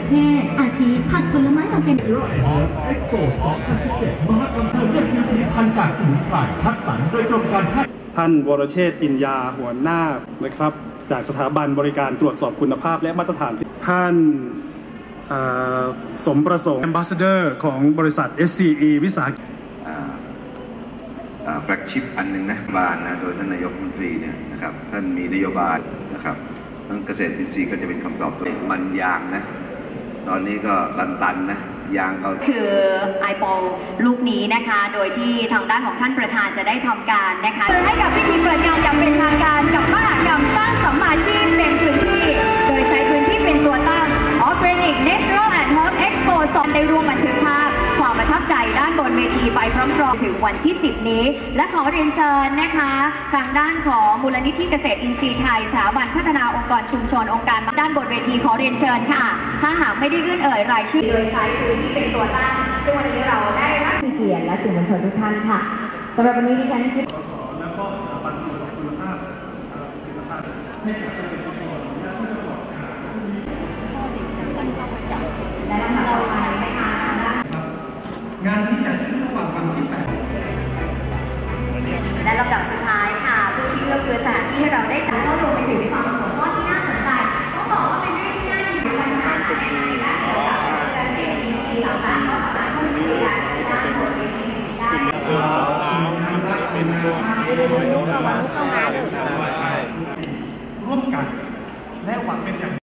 เทศอาทิผักผลไม้มาเป็นเอ็กโป2017มหกรรมเรื่องชีวิตพันธุ์จากสมุนไพรคัดสรรโดยกรมการแพทย์ท่านวรเชษฐ์อินยาหัวหน้านะครับจากสถาบันบริการตรวจสอบคุณภาพและมาตรฐานท่านสมประสงค์ Ambassador ของบริษัท SCE วิสาหกิจแฟลกชิพอันหนึ่งนะบานนะโดยท่านนายกรัฐมนตรีเนี่ยนะครับท่านมีนโยบายนะครับทั้งเกษตรอินทรีย์ก็จะเป็นคำตอบตัวมันยางนะตอนนี้ก็ตันๆนะยางเขาคือไอโปลูกนี้นะคะโดยที่ทางด้านของท่านประธานจะได้ทำการนะคะให้กับพิธีเปิดงานอย่างเป็นทางการกับมหกรรมสร้างสัมมาชีพเต็มพื้นที่โดยใช้พื้นที่เป็นตัวตั้ง Organic Natural and Health Expo 2ได้ร่วมบันทึกภาพความประทับใจด้านบนเวทีไปพร้อมๆถึงวันที่ 10 นี้และขอเรียนเชิญนะคะทางด้านของมูลนิธิเกษตรอินทรีย์ไทยสถาบันพัฒนาองค์กรชุมชนองค์การด้านบนเวทีขอเรียนเชิญค่ะถ้าหากไม่ได้ยื่นรายชื่อโดยใช้พื้นที่เป็นตัวตั้งซึ่งวันนี้เราได้รับเกียรติและสื่อมวลชนทุกท่านค่ะสำหรับวันนี้ดิฉันคิดแล้วก็สถาบันตรวจสอบคุณภาพผลิตภัณฑ์ให้กับเกษตรกรและผู้ประกอบการและลำดับต่อไปนะคะงานที่จัดขึ้นระหว่างวันที่8 และลำดับสุดท้ายค่ะผู้ที่เลือกคือสถานที่ให้เราได้จัดก็รวมไปถึงความหัวข้อที่น่าสนใจต้องบอกว่าเป็นเรื่องที่น่ายินดีนะคะและเกษตรอินทรีย์ต่างๆก็สามารถเข้าถึงได้ด้านบนเวทีได้ร่วมกันและหวังเป็นอย่าง